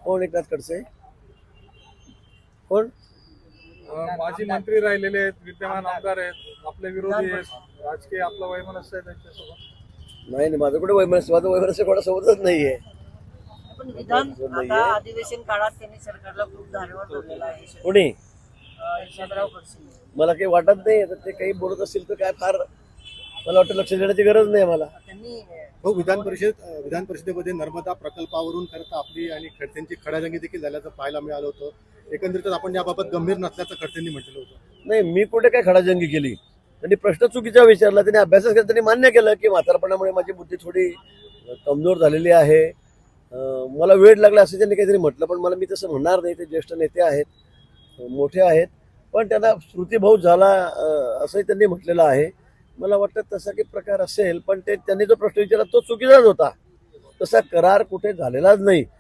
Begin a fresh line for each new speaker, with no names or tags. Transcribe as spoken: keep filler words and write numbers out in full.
कोण एकनाथ खडसे? कोण?
माजी मंत्री राहिलेले आहेत, विद्यमान आमदार आहेत, आपले विरोधी आहेत, राजकीय आपला वैमनस्य आहे त्यांच्यासोबत.
नाही नाही, माझं कुठे वैमनस्य, माझं वैमनस्य कोणासोबतच नाहीये.
पण विधान आता अधिवेशन काळात त्यांनी सरकारला खूप धारेवर धरलेला आहे.
कोणी?
यशवंतराव खडसे.
मला काही वाटत नाही आता ते काही बोलत असतील तर काय फार मला वाटतं लक्ष देण्याची गरज नाही मला.
त्यांनी
हो, विधान परिषद विधान परिषदेमध्ये नर्मदा प्रकल्पावरून खरं आपली आणि खडसेंची खडाजंगी देखील झाल्याचं पाहायला मिळालं होतं. एकंदरीतच आपण याबाबत गंभीर नसल्याचं खडसेंनी म्हटलं होतं.
नाही, मी कुठे काय खडाजंगी केली. त्यांनी प्रश्न चुकीचा विचारला, त्यांनी अभ्यास केला, त्यांनी मान्य केलं की म्हातारपणामुळे माझी बुद्धी थोडी कमजोर झालेली आहे, मला वेळ लागला असं त्यांनी काहीतरी म्हटलं. पण मला मी तसं म्हणणार नाही, ते ज्येष्ठ नेते आहेत, मोठे आहेत, पण त्यांना स्मृतिभंग झाला असंही त्यांनी म्हटलेलं आहे. मला वाटतं तसा काही प्रकार असेल, पण ते त्यांनी जो प्रश्न विचारला तो चुकीचाच होता. तसा करार कुठे झालेलाच नाही.